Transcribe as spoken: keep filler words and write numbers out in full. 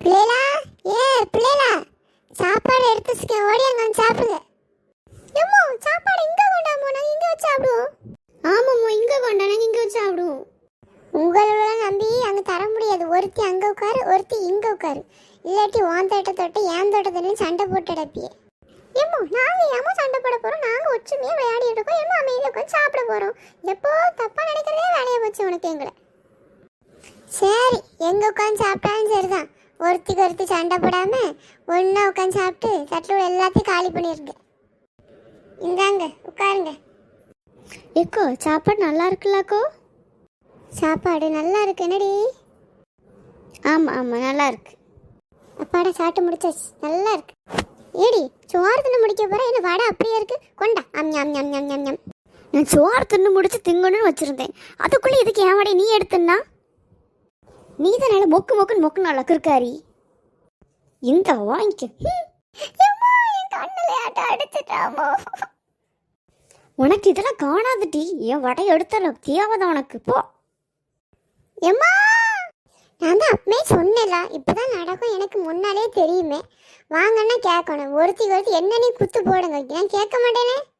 பிள்ளைகளா, ஏ பிள்ளைகளா, சாப்பாடு எடுத்து வச்சுக்க, ஓடி அங்க வந்து சாப்பிடுங்க. ஏம்மா சாப்பாடு இங்க கொண்டாமோ, நாங்க இங்க வச்சு சாப்பிடுவோம். ஆமாம்மா இங்க கொண்டா, நாங்க இங்க வச்சு சாப்பிடுவோம். உங்களெல்லாம் நம்பி அங்க தர முடியாது. ஒருத்தி அங்க உட்காரு, ஒருத்தி இங்க உட்காரு. இல்லாட்டி உன் தோட்ட தொட்டு என் தோட்டத்துலயும் சண்டை போட்டு அடப்பியே. ஏம்மா நாங்க ஏமா சண்டை போட போறோம்? நாங்க ஒற்றுமையா விளையாடி இருக்கோம். ஏமா அமைதியா உட்காந்து சாப்பிட போறோம். எப்போ தப்பா நினைக்கிறதே வேலையை போச்சு உனக்கு எங்களை. சரி, எங்க உட்காந்து சாப்பிட்டாலும் சரிதான். ஒருத்திக்கு ஒருத்தி சண்டை போடாம ஒன்னா உட்காந்து சாப்பிட்டு தட்டில் எல்லாத்தையும் காலி பண்ணிருங்க. இந்தாங்க உட்காருங்க. ஏக்கோ சாப்பாடு நல்லா இருக்குல்லக்கோ? சாப்பாடு நல்லா இருக்கு என்னடி? ஆமா ஆமா நல்லா இருக்கு. அப்பாடா சாப்பிட்டு முடிச்சாச்சு, நல்லா இருக்கு. ஏடி சோறு தின்னு முடிக்க போற, என்ன வடை அப்படியே இருக்கு, கொண்டா. அம் ஞம் ஞம் ஞம் ஞம் ஞம். நான் சோறு தின்னு முடிச்சு திங்கணும்னு வச்சிருந்தேன். அதுக்குள்ளே இதுக்கு ஏன் வடை நீ எடுத்துன்னா? நீ தான் நல்ல மொக்கு மொக்குன்னு மொக்கு நல்லா இருக்காரி. இந்த வாங்கிக்க. உனக்கு இதெல்லாம் காணாதுட்டி. என் வடை எடுத்தல தேவைதான் உனக்கு. போ எம்மா. நான் தான் அப்பவே சொன்னேன்ல, இப்பதான் நடக்கும் எனக்கு முன்னாலே தெரியுமே. வாங்கன்னா கேட்கணும். ஒருத்தி ஒருத்தி என்ன நீ குத்து போடுங்க, நான் கேட்க மாட்டேனே.